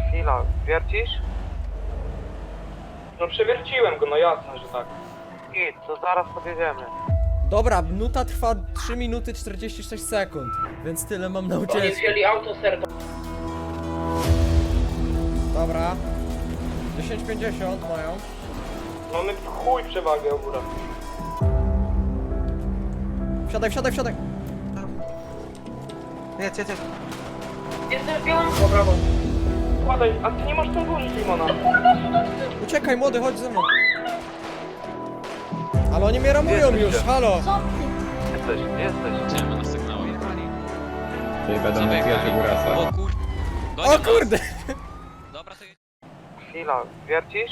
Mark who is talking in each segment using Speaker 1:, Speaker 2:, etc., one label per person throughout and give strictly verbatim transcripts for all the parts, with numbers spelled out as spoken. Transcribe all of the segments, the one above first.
Speaker 1: Chwila, wiercisz?
Speaker 2: No przewierciłem go, no jasne, że tak.
Speaker 1: Git, to zaraz podjedziemy.
Speaker 3: Dobra, minuta trwa trzy minuty czterdzieści sześć sekund, więc tyle mam na
Speaker 4: Oni
Speaker 3: ucieczkę.
Speaker 4: wzięli auto serca.
Speaker 3: Dobra. dziesięć pięćdziesiąt mają.
Speaker 2: Mamy w chuj przewagę ogóra.
Speaker 3: Wsiadaj, wsiadaj, wsiadaj.
Speaker 1: Jedź, jedź, jedź.
Speaker 4: Jestem w białym... O, brawo.
Speaker 2: Składaj, a ty nie masz tam włożyć limona.
Speaker 3: Uciekaj, młody, chodź ze mną. Ale oni mnie ramują już, halo.
Speaker 1: Jesteś, jesteś.
Speaker 5: Idziemy na sygnał, jechali.
Speaker 6: Czyli będą na pierwszy górasa.
Speaker 5: O kur...
Speaker 3: O kurde.
Speaker 5: Dobra, to jedź.
Speaker 1: Chwila, wiercisz?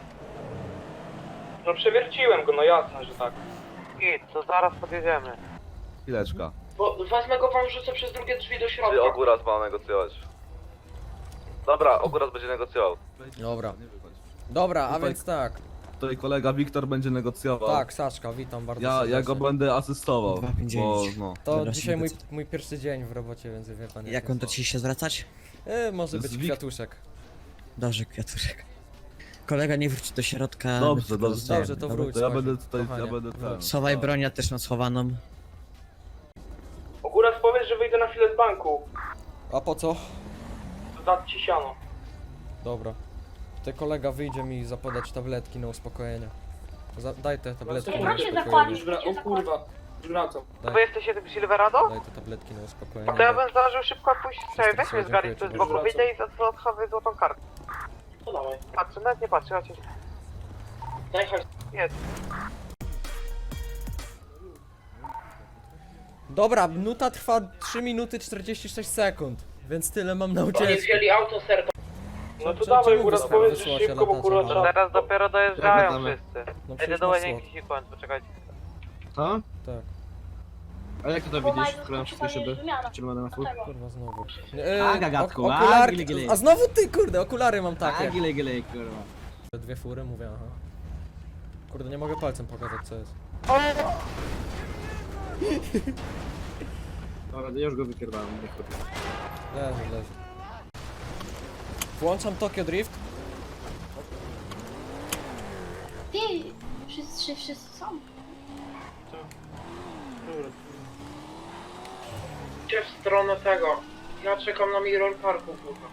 Speaker 2: No przewierciłem go, no jasne, że tak.
Speaker 1: Git, to zaraz podjedziemy.
Speaker 7: Chwileczka.
Speaker 4: Bo wezmę go wam wrzucę przez drugie drzwi do środka.
Speaker 7: Czy Ogóras ma negocjować? Dobra, Ogóras będzie negocjował.
Speaker 3: Dobra. Dobra, a
Speaker 7: Tutaj-
Speaker 3: więc tak.
Speaker 7: Tutaj kolega Wiktor będzie negocjował.
Speaker 3: Tak, Saczka, witam bardzo
Speaker 7: Ja, ja go
Speaker 3: serdecznie.
Speaker 7: będę asystował,
Speaker 8: dwa pięć
Speaker 7: bo
Speaker 8: dziewięć.
Speaker 7: no.
Speaker 3: To
Speaker 8: Dobra,
Speaker 3: dzisiaj mój,
Speaker 8: sympatycznie.
Speaker 3: mój pierwszy dzień w robocie, więc wie pan
Speaker 8: Jak on to ci się zwracać?
Speaker 3: E, może
Speaker 7: To
Speaker 3: być
Speaker 7: jest Wik-
Speaker 3: kwiatuszek.
Speaker 8: Dobrze, kwiatuszek. Kolega nie wróci do środka.
Speaker 7: Dobrze,
Speaker 8: tylko
Speaker 7: dobrze.
Speaker 8: zostaje.
Speaker 3: Dobrze, to
Speaker 8: Dobra.
Speaker 3: wróć.
Speaker 7: To ja
Speaker 3: Kochanie,
Speaker 7: będę tutaj, ja
Speaker 3: kochanie,
Speaker 7: będę ten.
Speaker 3: wróć.
Speaker 8: Schowaj broń, ja też mam schowaną.
Speaker 2: Ogóra powiedz, że wyjdę na chwilę z banku.
Speaker 3: A po co?
Speaker 2: Dać ci siano.
Speaker 3: Dobra. Tutaj kolega wyjdzie mi zapodać tabletki na uspokojenie. Za, daj te tabletki
Speaker 2: Jak
Speaker 3: na
Speaker 2: mam się
Speaker 3: uspokojenie.
Speaker 2: Już wra- o kurwa, już wracam.
Speaker 1: Wy jesteście tym Silverado?
Speaker 3: Daj te tabletki na uspokojenie.
Speaker 1: To ja bym zdążył szybko pójść. Czekaj, weź mnie z
Speaker 3: Dziękuję
Speaker 1: gali,
Speaker 3: ci
Speaker 1: z
Speaker 3: bardzo.
Speaker 1: boku wyjdę i odchowaj złotą kartę.
Speaker 4: To dawaj.
Speaker 1: Patrzę, nawet nie patrzę, chodź.
Speaker 4: Daj chodź.
Speaker 1: Jedź.
Speaker 3: Dobra, minuta trwa trzy minuty czterdzieści sześć sekund, więc tyle mam na
Speaker 4: Oni
Speaker 3: ucieczkę.
Speaker 4: wzięli auto serca.
Speaker 2: No to
Speaker 3: Czemu
Speaker 2: dawaj,
Speaker 3: wysłał-
Speaker 2: Ogóra powiedz,
Speaker 3: wysłała
Speaker 2: że
Speaker 3: się
Speaker 2: szybko, bo
Speaker 3: latacza?
Speaker 2: kurwa
Speaker 3: No.
Speaker 2: trzeba...
Speaker 1: Teraz dopiero dojeżdżają
Speaker 6: Gadamy.
Speaker 1: wszyscy.
Speaker 3: No
Speaker 1: Jedę
Speaker 3: przecież
Speaker 1: do
Speaker 3: masz
Speaker 1: łazienki sequence, poczekajcie.
Speaker 6: Co?
Speaker 3: Tak,
Speaker 6: A jak ty to widzisz? Skoro wszystkie szyby? Czy będę na full?
Speaker 3: kurwa znowu.
Speaker 6: A, gagatku, a,
Speaker 3: okularki,
Speaker 6: gili, gili.
Speaker 3: a znowu ty, kurde, okulary mam takie.
Speaker 6: gile, gile, kurwa.
Speaker 3: Dwie fury, mówię, aha. Kurde, nie mogę palcem pokazać co jest.
Speaker 6: Dobra, ja już go wypierdałem.
Speaker 3: Leży, leży. Włączam Tokyo Drift.
Speaker 9: Ty, wszyscy, wszyscy są.
Speaker 4: Idźcie w stronę tego. Ja czekam na Mirror Parku, kurwa.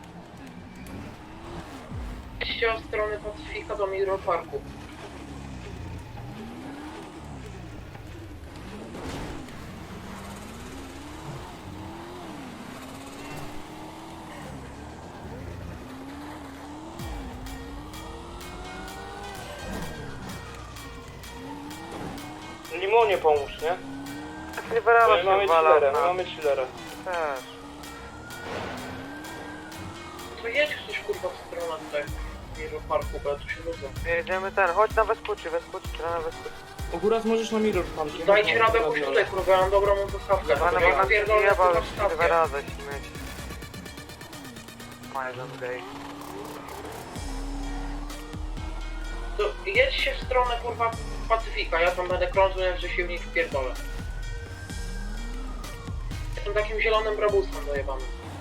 Speaker 4: Idźcie w stronę Pacyfika do Mirror Parku.
Speaker 2: Limonie pomóż, nie?
Speaker 1: Silverado
Speaker 2: My
Speaker 1: się
Speaker 2: mamy
Speaker 1: wala.
Speaker 2: chillerę, my
Speaker 1: na-
Speaker 2: mamy chillerę.
Speaker 1: Też.
Speaker 4: To jedź ktoś kurwa w stronę tego Mirror Parku, bo ja tu się nudzę.
Speaker 1: Jedziemy ten, chodź na Vespucci, Vespucci, na Vespucci.
Speaker 2: Ogóra możesz na mirror parki.
Speaker 4: Dajcie radę pójść tutaj, kurwa, ja mam dobrą dostawkę.
Speaker 1: Pana
Speaker 4: Ja
Speaker 1: bo nas
Speaker 4: pierdolę
Speaker 1: jebał
Speaker 4: kurwa
Speaker 1: już
Speaker 4: wstawkę.
Speaker 1: Silverado śmieć. Majżan gay.
Speaker 4: To jedźcie w stronę kurwa Pacyfika, ja tam będę krążył, że się w nich wpierdolę. Jestem takim zielonym brabusem dojebanym.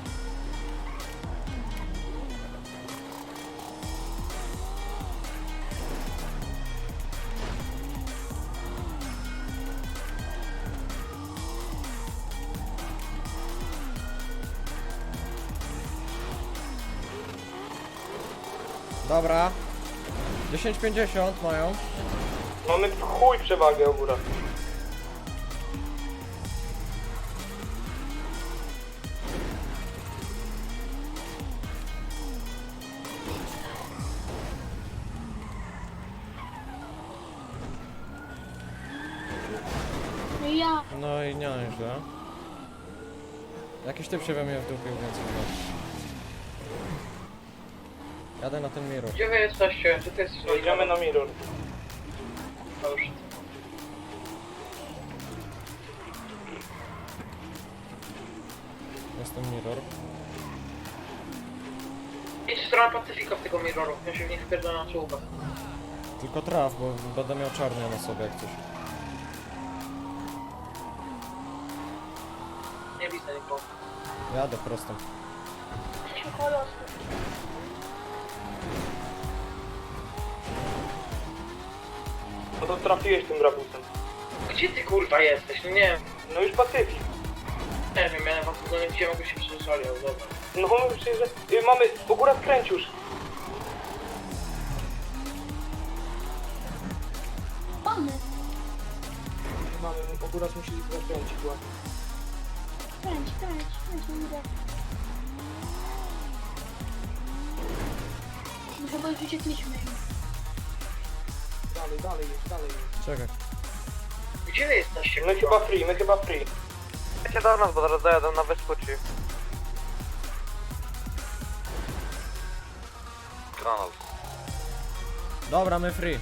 Speaker 3: Dobra. dziesięć pięćdziesiąt mają.
Speaker 2: Mamy w chuj przewagę ogóra.
Speaker 9: No i ja.
Speaker 3: No i nie źle. Jakiś typ się we mnie wdupił, więc chyba. Jadę na ten mirror.
Speaker 4: Gdzie wy jesteście? Gdzie ty jesteś?
Speaker 2: Jedziemy na mirror.
Speaker 4: To już.
Speaker 3: Jestem mirror.
Speaker 4: Idź w stronę Pacyfika w tego mirroru, ja się w nich wpierdolę na czołówkę.
Speaker 3: Tylko traf, bo będę miał czarnia na sobie jak coś.
Speaker 4: Nie widzę nikogo.
Speaker 3: Jadę prosto.
Speaker 2: No to trafiłeś tym rabusem.
Speaker 4: Gdzie ty kurwa jesteś? No nie,
Speaker 2: No już Pacyfik.
Speaker 4: nie wiem, miałem was to nie gdzie mogę się przeżyszali, ale dobra.
Speaker 2: No my przyjeżdża... y, Mamy... Ogóra skręć już.
Speaker 9: Mamy.
Speaker 2: Mamy... Ogóra musi zakręcić ładnie.
Speaker 9: Kręć, kręć, kręć, nie idę. Muszę, bo już uciekliśmy.
Speaker 2: Dalej, dalej jest, dalej jest.
Speaker 3: Czekaj.
Speaker 4: Gdzie wy jesteście?
Speaker 2: My chyba free, my chyba free.
Speaker 1: Chodźcie do nas, bo zaraz dojadą na Vespucci.
Speaker 7: Granat.
Speaker 3: Dobra, my free.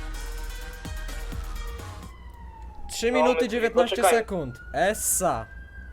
Speaker 3: trzy
Speaker 2: No,
Speaker 3: minuty
Speaker 2: my-
Speaker 3: dziewiętnaście
Speaker 2: poczekaj.
Speaker 3: sekund. Essa.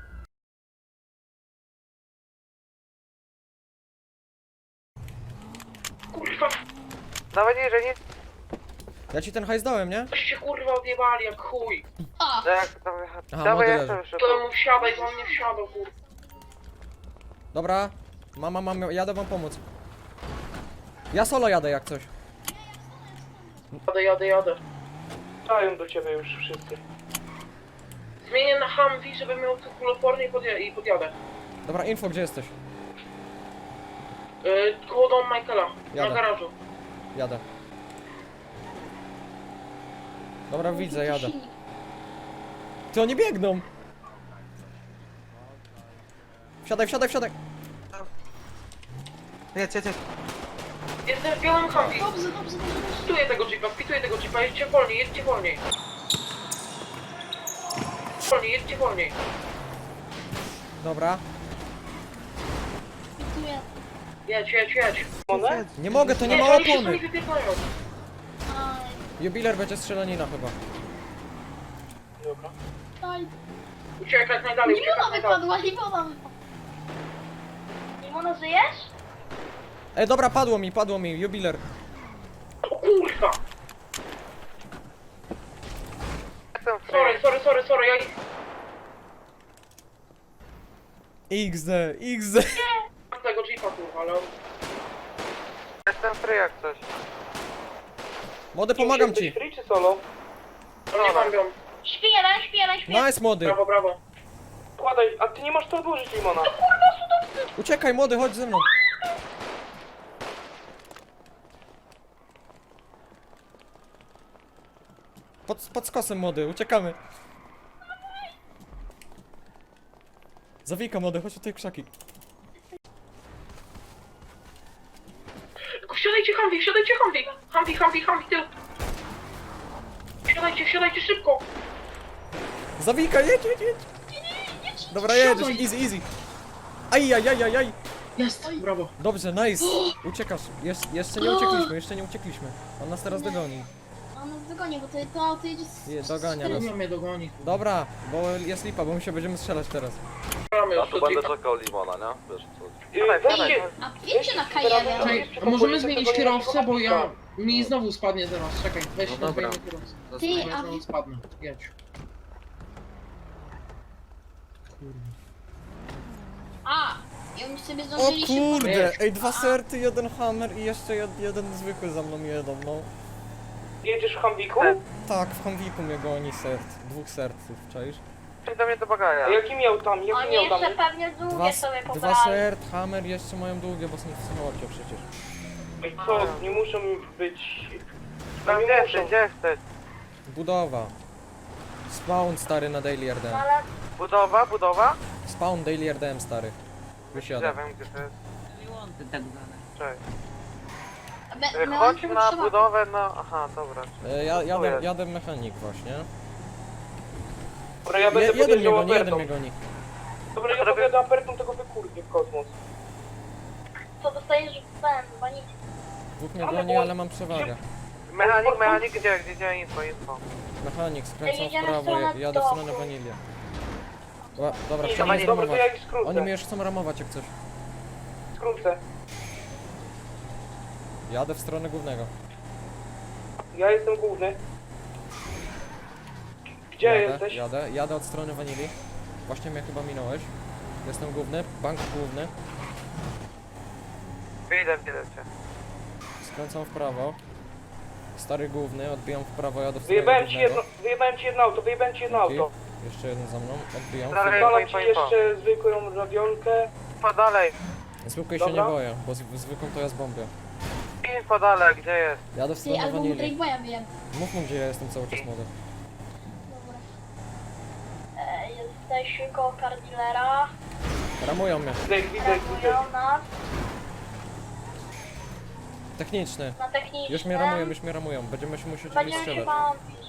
Speaker 4: Kurwa,
Speaker 1: Dawaj niżej, nie?
Speaker 3: Ja ci ten hajs dałem, nie?
Speaker 4: się kurwa odjebali jak chuj.
Speaker 9: A,
Speaker 1: No jak tam jechać?
Speaker 3: Aha,
Speaker 1: Dawaj,
Speaker 3: młody
Speaker 1: jak tam
Speaker 3: leży.
Speaker 1: jeszcze?
Speaker 4: To mu wsiadaj, to on nie wsiadał, kurwa.
Speaker 3: Dobra. Mama, mam, jadę wam pomóc. Ja solo jadę jak coś.
Speaker 4: Jadę, jadę, jadę.
Speaker 2: Dają do ciebie już wszyscy.
Speaker 4: Zmienię na Humvee, żeby miał tu kuloporny i, podja i podjadę.
Speaker 3: Dobra, info, gdzie jesteś?
Speaker 4: Yy, koło domu Michaela,
Speaker 3: Jadę.
Speaker 4: na garażu.
Speaker 3: Jadę. Dobra, widzę, jadę.
Speaker 9: silnik.
Speaker 3: Ty, oni biegną! Wsiadaj, wsiadaj, wsiadaj!
Speaker 1: Jedź, jedź, jedź.
Speaker 4: Jestem w białym Humvee.
Speaker 9: Dobrze, dobrze, dobrze, dobrze.
Speaker 4: Pituję tego jeepa, pituję tego jeepa, jedźcie wolniej, jedźcie wolniej. Wolniej, jedźcie wolniej.
Speaker 3: Dobra.
Speaker 9: Pituję.
Speaker 4: Jedź, jedź, jedź.
Speaker 2: One?
Speaker 3: Nie mogę, to nie
Speaker 4: Nie,
Speaker 3: ma
Speaker 4: oni się
Speaker 3: opony!
Speaker 4: sami wypieprzają.
Speaker 9: Aj,
Speaker 3: Jubiler będzie strzelanina chyba.
Speaker 2: Dobra.
Speaker 9: daj.
Speaker 4: Uciekaj jak najdalej, uciekaj
Speaker 9: Limona
Speaker 4: jak najdalej.
Speaker 9: wypadła, limona wypadła. Limona, żyjesz?
Speaker 3: Ej, dobra, padło mi, padło mi, jubiler.
Speaker 4: O kurwa!
Speaker 1: Jestem free.
Speaker 4: Sorry, sorry, sorry, sorry, ja ich...
Speaker 3: X D, X D.
Speaker 4: mam tego jeepa kurwa, ale...
Speaker 1: Jestem free jak coś.
Speaker 3: Młody, pomagam
Speaker 2: Jesteś
Speaker 3: ci.
Speaker 2: free czy solo?
Speaker 4: Oni mam ją.
Speaker 9: Śpi jeden, śpi jeden, śpi jeden.
Speaker 3: Nice, młody.
Speaker 4: Brawo, brawo.
Speaker 2: Kładaj, a ty nie masz to odłożyć limona.
Speaker 3: Uciekaj, młody, chodź ze mną. Pod, pod skosem, młody, uciekamy. Zawika, młody, chodź tutaj krzaki.
Speaker 4: Tylko wsiadajcie Humvee, wsiadajcie Humvee. Humvee, Humvee, Humvee, tył. Wsiadajcie, wsiadajcie szybko.
Speaker 3: Zawika, jedź, jedź, jedź. Dobra, jedziesz, easy, easy. Aj, aj, aj, aj, aj.
Speaker 4: Jest, brawo.
Speaker 3: Dobrze, nice. Uciekasz. Jesz, jeszcze nie uciekliśmy, jeszcze nie uciekliśmy. On nas teraz dogoni.
Speaker 9: On nas dogoni, bo to, to auto jedzie z...
Speaker 3: Je, dogania
Speaker 9: z-
Speaker 3: nas.
Speaker 4: Nie mnie dogoni.
Speaker 3: Dobra, bo jest lipa, bo my się będziemy strzelać teraz.
Speaker 4: Mamy
Speaker 7: Ja
Speaker 4: już
Speaker 7: tu
Speaker 4: przed
Speaker 7: będę
Speaker 4: jeepem.
Speaker 7: czekał limona, nie? Wiesz co?
Speaker 2: Yy, Weźcie,
Speaker 9: A wiecie na K jeden.
Speaker 2: Czekaj,
Speaker 6: Czekaj, a możemy zmienić kierowcę, bo ja... Mi znowu spadnie zaraz, czekaj, weź
Speaker 5: No
Speaker 6: no
Speaker 5: dobra.
Speaker 6: zmienimy kierowcę.
Speaker 9: Ty,
Speaker 6: Bo ja
Speaker 9: a
Speaker 6: znowu
Speaker 9: wi-
Speaker 6: spadnę, jedź.
Speaker 9: A! I oni sobie
Speaker 3: O
Speaker 9: zdążyli szybko.
Speaker 3: kurde, ej, dwa serty, jeden hammer i jeszcze jed, jeden zwykły za mną jedą, no.
Speaker 2: jedziesz w Humviku?
Speaker 3: Tak, w Humviku mnie goni sert, dwóch serców, czaisz?
Speaker 1: Chodź do mnie do bagaja.
Speaker 2: A jaki miał tam, jaki
Speaker 9: Oni
Speaker 2: miał tam?
Speaker 9: jeszcze pewnie
Speaker 3: Dwa,
Speaker 9: długie sobie
Speaker 3: dwa
Speaker 9: pobrali.
Speaker 3: sert, hammer jeszcze mają długie, bo są w samolocie przecież.
Speaker 2: I co, nie muszą być...
Speaker 1: Tam
Speaker 2: nie
Speaker 1: gdzie
Speaker 2: muszą.
Speaker 1: jesteś, gdzie jesteś?
Speaker 3: Budowa. Spawn stary na Daily R D M.
Speaker 9: Ale
Speaker 1: Budowa, budowa?
Speaker 3: Spawn Daily R D M stary.
Speaker 1: Ja
Speaker 3: Wysiada.
Speaker 1: wiem gdzie to jest. Cześć.
Speaker 9: my,
Speaker 1: Y,
Speaker 9: my
Speaker 1: Chodź
Speaker 9: on
Speaker 1: na
Speaker 9: potrzeba-
Speaker 1: budowę, no... Aha, dobra.
Speaker 3: E, ja,
Speaker 1: Tu
Speaker 3: jadę,
Speaker 1: jest.
Speaker 3: jadę mechanik właśnie.
Speaker 2: Dobra, ja
Speaker 3: Je,
Speaker 2: będę
Speaker 3: jeden mnie
Speaker 2: podjeżdżał
Speaker 3: goni, jeden
Speaker 2: Apertą.
Speaker 3: mnie goni.
Speaker 2: Dobra, ja podjadę Apertą tego wykurwie w kosmos.
Speaker 9: To dostajesz w ten, wanili.
Speaker 3: Dwóch mnie
Speaker 2: Ale
Speaker 3: goni,
Speaker 2: bo-
Speaker 3: ale mam przewagę.
Speaker 1: Mechanik, mechanik, gdzie, gdzie, gdzie, info, info.
Speaker 3: Mechanik, skręcam
Speaker 9: Jedziemy
Speaker 3: w
Speaker 9: w
Speaker 3: prawo,
Speaker 9: stronę
Speaker 3: jadę w stronę
Speaker 9: domu.
Speaker 3: wanilię. Ła- Dobra,
Speaker 2: Nie,
Speaker 3: chciałem
Speaker 1: wanilię.
Speaker 2: dobra, to ja
Speaker 3: zramować.
Speaker 2: ich skrócę.
Speaker 3: Oni mnie już chcą ramować jak coś.
Speaker 2: Skrócę.
Speaker 3: Jadę w stronę głównego.
Speaker 2: Ja jestem główny. Gdzie
Speaker 3: jadę,
Speaker 2: jesteś?
Speaker 3: Jadę, jadę od strony wanili. Właśnie mnie chyba minąłeś. Jestem główny, bank główny.
Speaker 1: idę, idę cię.
Speaker 3: Skręcam w prawo. Stary główny, odbijam w prawo, jadę w stronę
Speaker 2: Wyjebałem ci
Speaker 3: głównego.
Speaker 2: jedno, wyjebałem ci jedno auto, wyjebałem ci jedno
Speaker 3: Dzięki.
Speaker 2: auto.
Speaker 3: Jeszcze jeden za mną, odbijam.
Speaker 1: Dalej.
Speaker 2: Wypalam
Speaker 1: info,
Speaker 2: ci
Speaker 1: info.
Speaker 2: jeszcze zwykłą radiolkę.
Speaker 1: Info dalej.
Speaker 3: Zwykłej się nie
Speaker 2: Dobra.
Speaker 3: boję, bo z- zwykłą to ja zbombię.
Speaker 1: Info dalej, gdzie jest?
Speaker 3: Jadę w
Speaker 9: Ty,
Speaker 3: stronę
Speaker 9: albo mu
Speaker 3: wanili.
Speaker 9: Drageboya wyjem.
Speaker 3: Mów mu, gdzie ja jestem cały czas młody.
Speaker 9: Dobra. E, jesteśmy koło car dealera.
Speaker 3: Ramują mnie.
Speaker 2: Widzę, widzę, widzę.
Speaker 9: Ramują nas
Speaker 3: Techniczny.
Speaker 9: na technicznym.
Speaker 3: Już mnie ramują, już mnie ramują. Będziemy się musieli
Speaker 9: Będziemy się
Speaker 3: strzelać.
Speaker 9: bawić.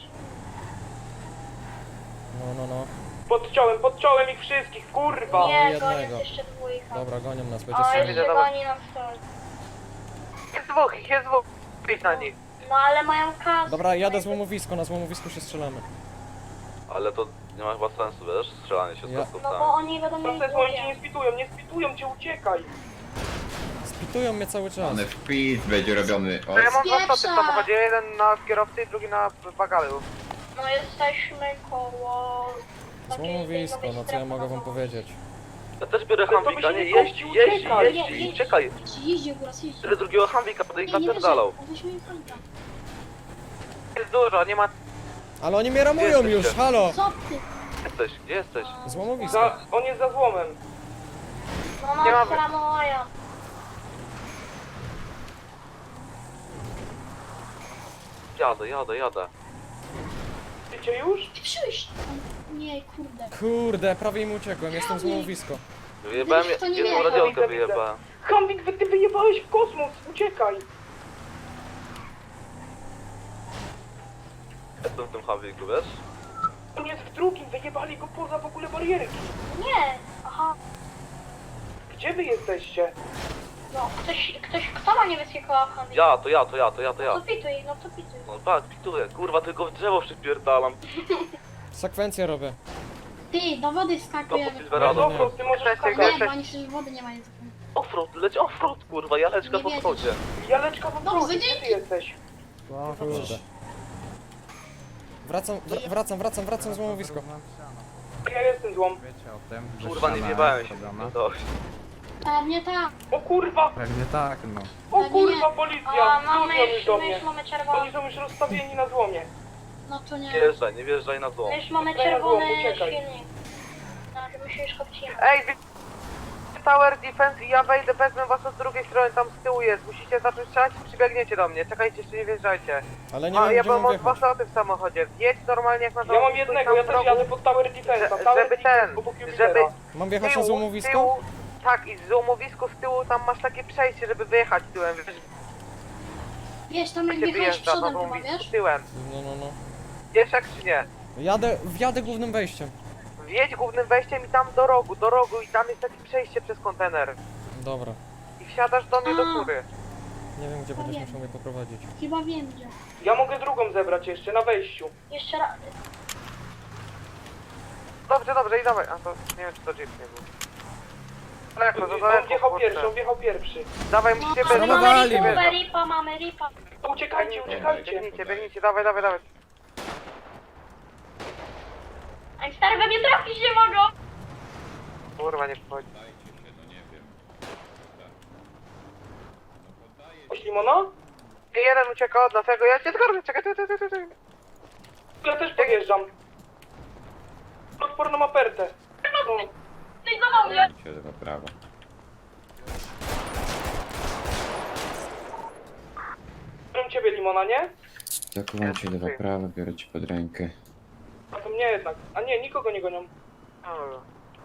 Speaker 3: No, no, no.
Speaker 2: Podciąłem, podciąłem ich wszystkich, kurwa!
Speaker 9: Nie,
Speaker 3: jednego.
Speaker 9: gonią jeszcze dwójka.
Speaker 3: Dobra, gonią nas, będzie
Speaker 9: O,
Speaker 3: strzelać.
Speaker 9: jeszcze
Speaker 1: dobra.
Speaker 9: goni nas ktoś.
Speaker 1: Jest dwóch, ich jest dwóch. Pisz na nich.
Speaker 9: No ale mają kasę.
Speaker 3: Dobra, jadę złomowisko, na złomowisku się strzelamy.
Speaker 7: Ale to nie ma chyba sensu, wiesz? Strzelanie się z
Speaker 3: Ja-
Speaker 9: No
Speaker 7: kostowcami.
Speaker 9: bo oni będą mieli
Speaker 2: Proces, oni cię nie
Speaker 9: długie.
Speaker 2: spitują, nie spitują cię, uciekaj!
Speaker 3: Spitują mnie cały czas.
Speaker 10: Ale wpis będzie robiony. O,
Speaker 1: To ja mam dwa
Speaker 9: Spieprza.
Speaker 1: spoty w samochodzie, jeden na kierowcy i drugi na bagalu.
Speaker 9: No jesteśmy koło... takiej
Speaker 3: Złomowisko,
Speaker 9: nowej
Speaker 3: no co ja
Speaker 9: strefy
Speaker 3: mogę wam
Speaker 9: na
Speaker 3: powiedzieć?
Speaker 7: Ja też biorę
Speaker 2: Ale to
Speaker 7: Hamwika,
Speaker 2: by się
Speaker 7: nie,
Speaker 2: nie
Speaker 7: jeździ,
Speaker 2: kończy,
Speaker 7: jeździ,
Speaker 2: uciekaj.
Speaker 7: jeździ,
Speaker 9: Nie,
Speaker 7: czekaj.
Speaker 9: Jeździ góras, jeździ.
Speaker 7: Tyle drugiego Hamwika, potem ich
Speaker 9: Nie, nie
Speaker 7: napierdalał.
Speaker 9: weźmiemy, weźmiemy Franka.
Speaker 1: Jest dużo, nie ma...
Speaker 3: Ale oni mnie ramują
Speaker 7: Gdzie
Speaker 3: już,
Speaker 7: jesteście?
Speaker 3: halo!
Speaker 9: Co ty?
Speaker 7: Gdzie jesteś? Gdzie jesteś?
Speaker 3: Złomowisko.
Speaker 2: Za, on jest za złomem.
Speaker 9: No
Speaker 1: Nie
Speaker 9: nas
Speaker 1: mamy.
Speaker 9: ramoja.
Speaker 7: Jadę, jadę, jadę.
Speaker 2: Wiecie już?
Speaker 9: Ty przyjść. Nie, kurde.
Speaker 3: Kurde, prawie im uciekłem, jestem złomowisko.
Speaker 7: Wyjebałem
Speaker 9: Wiesz, to nie
Speaker 7: jedną
Speaker 9: wiem.
Speaker 7: radiolkę,
Speaker 2: Widzę, widzę.
Speaker 7: wyjebałem.
Speaker 2: Hamwik, wy, ty wyjebałeś w kosmos, uciekaj!
Speaker 7: Jestem w tym Hamwiku, wiesz?
Speaker 2: On jest w drugim, wyjebali go poza w ogóle barierki.
Speaker 9: Nie. Aha.
Speaker 2: Gdzie wy jesteście?
Speaker 9: No, ktoś, ktoś, kto ma niebieskiego handli?
Speaker 7: Ja, to ja, to ja, to ja, to
Speaker 9: No
Speaker 7: ja.
Speaker 9: to pituj, no to pituj.
Speaker 7: No tak, pituję, kurwa, tylko w drzewo przypierdalam.
Speaker 3: Sekwencję robię.
Speaker 9: Ty, do wody
Speaker 7: To po
Speaker 9: skakujemy.
Speaker 2: To jest
Speaker 7: Silverado.
Speaker 2: offroad, ty możesz
Speaker 1: Cześć,
Speaker 2: skakać.
Speaker 1: cześć.
Speaker 9: Nie, bo oni przecież wody nie mają.
Speaker 7: Offroad, leć offroad, kurwa, jaleczka
Speaker 9: Nie
Speaker 7: po
Speaker 9: wiedziesz.
Speaker 7: wchodzie.
Speaker 2: Jaleczka w
Speaker 9: No,
Speaker 2: offroadzie, gdzie ty
Speaker 9: wyjdź.
Speaker 2: jesteś?
Speaker 3: Kurde. Wracam, wr- wracam, wracam, wracam złomowisko.
Speaker 2: Ja jestem złom.
Speaker 7: Kurwa, nie wjebałem się. Dość.
Speaker 9: Pewnie tak.
Speaker 2: O kurwa!
Speaker 6: Pewnie tak, no.
Speaker 2: O
Speaker 9: Pewnie
Speaker 2: kurwa,
Speaker 9: nie.
Speaker 2: policja!
Speaker 9: A, mamy
Speaker 2: Wrócą już
Speaker 9: już,
Speaker 2: do
Speaker 9: my
Speaker 2: mnie.
Speaker 9: już mamy czerwony.
Speaker 2: Oni są już rozstawieni na złomie.
Speaker 9: No to nie.
Speaker 7: Nie wjeżdżaj, nie wjeżdżaj na złom.
Speaker 9: My już mamy
Speaker 2: Uciekaj,
Speaker 9: czerwony
Speaker 2: uciekaj.
Speaker 9: silnik. No, my się już kopcimy.
Speaker 1: Ej, wy... Tower Defense i ja wejdę, wezmę was od drugiej strony, tam z tyłu jest. Musicie zacząć strzelać i przybiegniecie do mnie. Czekajcie, jeszcze nie wjeżdżajcie.
Speaker 3: Ale nie
Speaker 1: A,
Speaker 3: wiem,
Speaker 1: ja
Speaker 3: gdzie mam
Speaker 1: mam dwa
Speaker 3: wjechać.
Speaker 1: sloty w samochodzie. Jedź normalnie jak na
Speaker 2: Ja mam
Speaker 1: drodze,
Speaker 2: jednego,
Speaker 1: stój
Speaker 2: ja
Speaker 1: tam
Speaker 2: też
Speaker 1: w rogu,
Speaker 2: jadę pod Tower Defense'a.
Speaker 1: że-
Speaker 2: Tower
Speaker 1: żeby
Speaker 2: Defense
Speaker 1: ten,
Speaker 2: obok
Speaker 1: żeby...
Speaker 2: Jupitera.
Speaker 3: Mam wjechać na
Speaker 1: tyłu,
Speaker 3: złomowisko?
Speaker 1: tyłu, tak, i z złomowisku z tyłu tam masz takie przejście, żeby wyjechać tyłem. Wiesz,
Speaker 9: Wiesz, tam jak
Speaker 1: się
Speaker 9: wjechałeś
Speaker 1: wyjeżdża na
Speaker 9: przodem chyba,
Speaker 1: złomowisku
Speaker 9: wiesz?
Speaker 1: tyłem.
Speaker 3: No, no, no.
Speaker 1: Wiesz jak czy nie?
Speaker 3: Jadę, wjadę głównym wejściem.
Speaker 1: Wjedź głównym wejściem i tam do rogu, do rogu i tam jest takie przejście przez kontener.
Speaker 3: Dobra.
Speaker 1: I wsiadasz do mnie do
Speaker 9: A.
Speaker 1: góry.
Speaker 3: Nie wiem, gdzie
Speaker 9: No
Speaker 3: będziesz
Speaker 9: wiem.
Speaker 3: musiał mnie poprowadzić.
Speaker 9: Chyba wiem gdzie.
Speaker 2: Ja mogę drugą zebrać jeszcze, na wejściu.
Speaker 9: Jeszcze raz.
Speaker 1: Dobrze, dobrze i dawaj. A to nie wiem czy to jeep nie był. Daleko, to
Speaker 2: On
Speaker 1: daleko,
Speaker 2: wjechał
Speaker 1: kurczę.
Speaker 2: pierwszy, on wjechał pierwszy.
Speaker 1: Dawaj,
Speaker 9: No,
Speaker 1: musicie
Speaker 9: mamy
Speaker 1: bez...
Speaker 3: Zramowali
Speaker 9: ripę,
Speaker 3: mnie.
Speaker 9: ripa, mamy ripa.
Speaker 2: Uciekajcie, uciekajcie.
Speaker 1: Biegnijcie, biegnijcie, dawaj, dawaj, dawaj.
Speaker 9: Ej, stary, we mnie trafić nie mogą.
Speaker 1: Kurwa, nie wchodzi.
Speaker 2: Limona?
Speaker 1: Jeden ucieka od nas, ja go, ja cię zgarnę, czekaj, czekaj, czekaj, czekaj.
Speaker 2: Ja też podjeżdżam. Odporną apertę. No.
Speaker 9: Ty za mnie.
Speaker 10: się lewa, prawa.
Speaker 2: Biorę ciebie, Limona, nie?
Speaker 10: Zakuwam cię lewa, prawa, biorę cię pod rękę.
Speaker 2: A to mnie jednak. A nie, nikogo nie gonią.
Speaker 1: Dobra.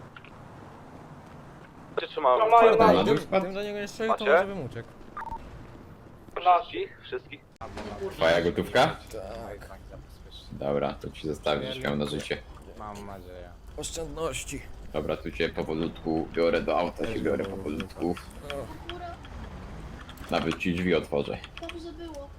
Speaker 7: Cię trzymałem.
Speaker 2: To mają
Speaker 10: Kurde,
Speaker 2: na
Speaker 10: no.
Speaker 3: Gdybym,
Speaker 10: wpadł?
Speaker 3: gdybym do niego nie strzelił, to
Speaker 7: Macie?
Speaker 3: może bym uciekł.
Speaker 7: Wszystkich? Wszystkich?
Speaker 10: Twoja gotówka?
Speaker 3: Tak.
Speaker 10: Dobra, to ci zostawię, żeś miał na życie.
Speaker 6: Mam nadzieję.
Speaker 3: Oszczędności.
Speaker 10: Dobra, tu cię powolutku biorę do auta, się biorę powolutku. Nawet ci drzwi otworzę.
Speaker 9: Dobrze było.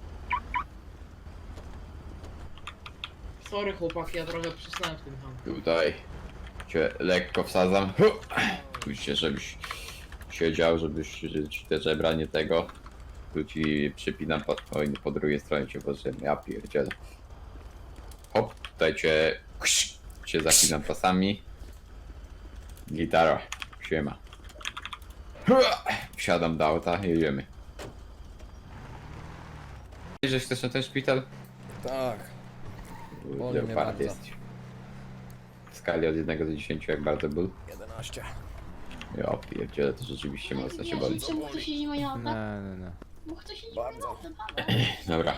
Speaker 4: Sorry chłopaki, ja trochę przysnąłem w tym ham.
Speaker 10: Tutaj cię lekko wsadzam. Hu! Tu się, żebyś siedział, żebyś że ci te żebra nie tego. Tu ci przypinam po, oj, po drugiej stronie cię włożyłem. Ja pierdzielę. Hop, tutaj cię, cię zapinam pasami. Gitara, siema. Hu! Wsiadam do auta, jedziemy. Że chcesz na ten szpital?
Speaker 3: Tak. Boli mnie
Speaker 10: Leopard
Speaker 3: bardzo.
Speaker 10: jest. W skali od jednego do dziesięciu jak bardzo ból?
Speaker 3: jedenaście.
Speaker 10: Ja pierdzielę, to rzeczywiście mocno się boli.
Speaker 9: Czemu ktoś siedzi moje auta?
Speaker 6: Nie, nie, nie.
Speaker 9: Bo ktoś siedzi
Speaker 3: Bardzo.
Speaker 9: moje auta,
Speaker 10: Dobra.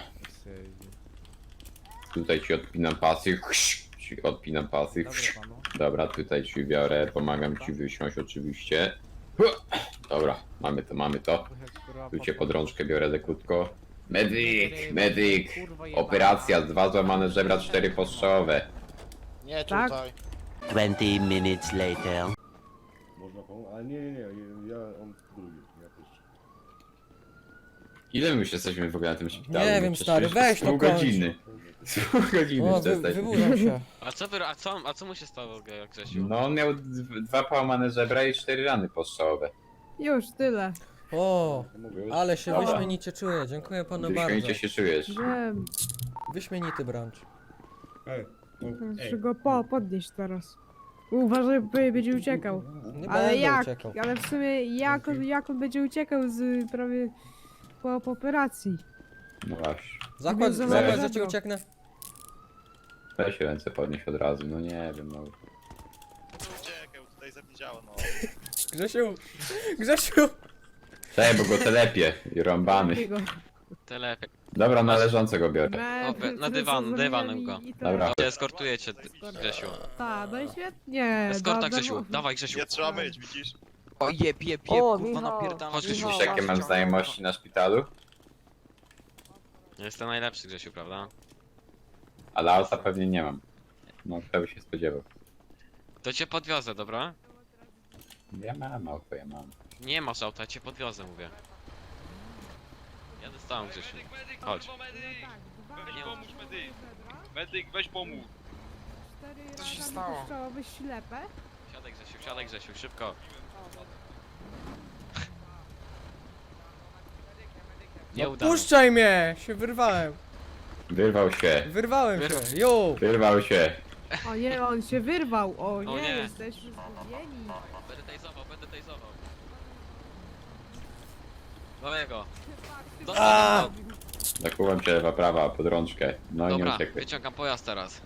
Speaker 10: Tutaj ci odpinam pasy. Ci odpinam pasy. Dobra, tutaj ci biorę, pomagam ci wysiąść oczywiście. Dobra, mamy to, mamy to. Tu cię pod rączkę biorę lekutko. Medyk, medyk. Operacja, dwa złamane żebra, cztery postrzałowe.
Speaker 2: Nie
Speaker 11: Tak?
Speaker 2: tutaj.
Speaker 8: twenty minutes later.
Speaker 12: Można pomóc? Ale nie, nie, nie, ja on drugi, ja pierwszy.
Speaker 10: Ile my już jesteśmy w ogóle na tym szpitalu?
Speaker 3: Nie
Speaker 10: No
Speaker 3: wiem,
Speaker 10: przecież
Speaker 3: stary,
Speaker 10: jeszcze
Speaker 3: weź to
Speaker 10: pół
Speaker 3: kończ.
Speaker 10: godziny. Pół godziny
Speaker 3: O,
Speaker 10: już
Speaker 3: wy,
Speaker 10: jesteśmy.
Speaker 3: wybudzam się.
Speaker 5: A co wy, a co, a co mu się stało, Ge- Grzesiu?
Speaker 10: No on miał d- dwa połamane żebra i cztery rany postrzałowe.
Speaker 11: Już, tyle.
Speaker 3: O,
Speaker 12: Mówię,
Speaker 3: ale się
Speaker 10: Dobra.
Speaker 3: wyśmienicie czuję. Dziękuję panu bardzo.
Speaker 10: Wyśmienicie się czujesz.
Speaker 11: Wiem,
Speaker 3: Wyśmienity brunch.
Speaker 12: Ej, no,
Speaker 11: muszę go po, podnieść teraz. Uważaj, bo będzie uciekał.
Speaker 3: Nie
Speaker 11: Ale
Speaker 3: będę
Speaker 11: jak?
Speaker 3: uciekał.
Speaker 11: Ale w sumie jak on, jak on będzie uciekał z prawie po, po operacji?
Speaker 10: No właśnie.
Speaker 3: Zakład,
Speaker 11: Mnie
Speaker 3: zakład, że
Speaker 11: zabrał.
Speaker 3: ci ucieknę.
Speaker 10: Weź ręce podnieść od razu, no nie wiem, no.
Speaker 12: Uciekaj, tutaj zapwiedziało, no.
Speaker 3: Grzesiu! Grzesiu!
Speaker 10: Cześć, bo go telepie i rąbany.
Speaker 11: Takiego.
Speaker 5: Telepie.
Speaker 10: Dobra, na leżącego biorę.
Speaker 11: Me-
Speaker 5: O, we- na
Speaker 11: wtedy
Speaker 5: dywan,
Speaker 11: co
Speaker 5: dywan
Speaker 11: zrobiłem
Speaker 5: go.
Speaker 11: i- i to-
Speaker 10: Dobra.
Speaker 5: Ja eskortuję cię, Grzesiu.
Speaker 11: Ta, no i świetnie.
Speaker 5: Eskorta,
Speaker 11: da-
Speaker 5: Grzesiu,
Speaker 11: darmo-
Speaker 5: dawaj, Grzesiu.
Speaker 12: Nie trzeba myć, widzisz?
Speaker 5: O jeb, jeb, jeb,
Speaker 1: O,
Speaker 5: kurwa
Speaker 1: Michał,
Speaker 5: napierdala. Chodź, Grzesiu.
Speaker 10: Wiesz, jakie mam znajomości na szpitalu?
Speaker 5: Jestem najlepszy, Grzesiu, prawda?
Speaker 10: Ale auta pewnie nie mam. No, kto by się spodziewał.
Speaker 5: To cię podwiozę, dobra?
Speaker 10: Ja mam auto, ja mam.
Speaker 5: Nie masz auta, ja cię podwiozę, mówię. Jadę z tobą, Grzesiu. Chodź. Nie mów.
Speaker 12: Medyk, weź pomóż.
Speaker 11: Cztery
Speaker 2: Co się
Speaker 11: razy
Speaker 2: stało?
Speaker 11: puszczałoby ślepe.
Speaker 5: Siadaj, Grzesiu, siadaj, Grzesiu, szybko. Nie uda.
Speaker 3: Puszczaj mnie! Się wyrwałem.
Speaker 10: Wyrwał się,
Speaker 3: Wyrwałem się.
Speaker 5: Wyrwał.
Speaker 3: Jo!
Speaker 10: wyrwał się.
Speaker 11: O nie, on się wyrwał. O nie,
Speaker 5: nie.
Speaker 11: jesteśmy zgubieni.
Speaker 5: Będę tajzował, będę tajzował. Mamy go.
Speaker 3: A!
Speaker 5: Dostał.
Speaker 10: Zakuwam cię lewa, prawa, pod rączkę. No i nie
Speaker 5: Dobra,
Speaker 10: uciekaj.
Speaker 5: wyciągam pojazd teraz.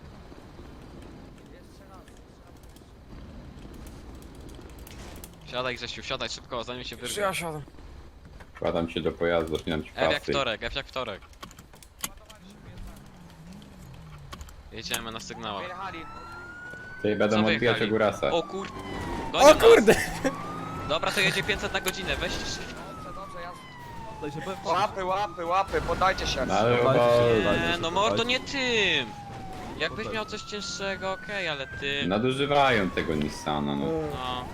Speaker 5: Siadaj, Grzesiu, siadaj szybko, zanim się wyrwie.
Speaker 2: Ja siadam.
Speaker 10: Wkładam cię do pojazdu, zapinam ci
Speaker 5: F jak
Speaker 10: pasy.
Speaker 5: wtorek, F jak wtorek. Jedziemy na sygnałach.
Speaker 2: Wyjechali.
Speaker 10: Tutaj
Speaker 5: Co
Speaker 10: będą odbijać
Speaker 5: wyjechali?
Speaker 10: Ogurasa.
Speaker 5: O kur...
Speaker 3: O
Speaker 5: Gonią nas.
Speaker 3: kurde!
Speaker 5: Dobra, to jedzie pięćset na godzinę, weź...
Speaker 2: Dobrze, dobrze, ja... Łapy, łapy, łapy, podajcie się.
Speaker 10: No ale bo...
Speaker 5: Nie, no mordo, nie tym! Jakbyś miał coś cięższego, okej, ale ty...
Speaker 10: Nadużywają tego Nissana, no.
Speaker 5: No...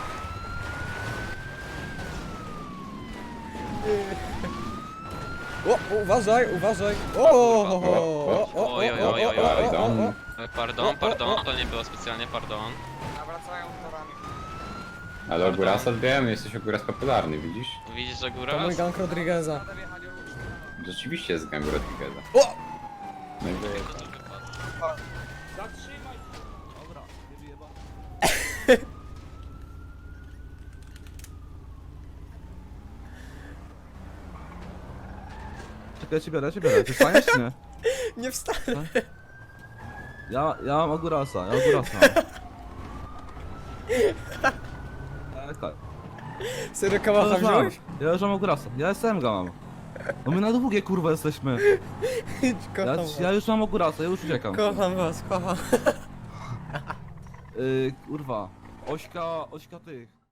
Speaker 3: O, uważaj, uważaj! O, o, o, o, o,
Speaker 5: Oj, oj, oj, oj, oj.
Speaker 10: Pardon.
Speaker 5: Oj, Pardon, pardon, to nie było specjalnie pardon.
Speaker 2: Nawracają torami.
Speaker 10: Ale Ogurasa odbijają, jesteś Oguras popularny, widzisz?
Speaker 5: Widzisz, że góra?
Speaker 3: To mój gang Rodrigueza.
Speaker 2: Jadę wjechali już.
Speaker 10: Rzeczywiście jest gang Rodrigueza.
Speaker 3: O!
Speaker 10: No i wy-
Speaker 2: Zatrzymaj.
Speaker 6: Czekaj, ja cię biorę, ja cię biorę. Ty wstaniesz czy nie?
Speaker 3: Nie wstanę.
Speaker 6: Ja, ja mam Ogurasa, ja Ogurasa. Czekaj.
Speaker 3: Serio
Speaker 6: Ja
Speaker 3: kałacha
Speaker 6: już mam,
Speaker 3: wziąłeś?
Speaker 6: ja już mam Ogurasa, ja S M G mam. No my na długie kurwa jesteśmy.
Speaker 3: Idź,
Speaker 6: Ja,
Speaker 3: kocham was.
Speaker 6: ja już mam Ogurasa, ja już uciekam.
Speaker 3: Kocham was, kocham.
Speaker 6: Yy, kurwa. Ośka, ośka tych.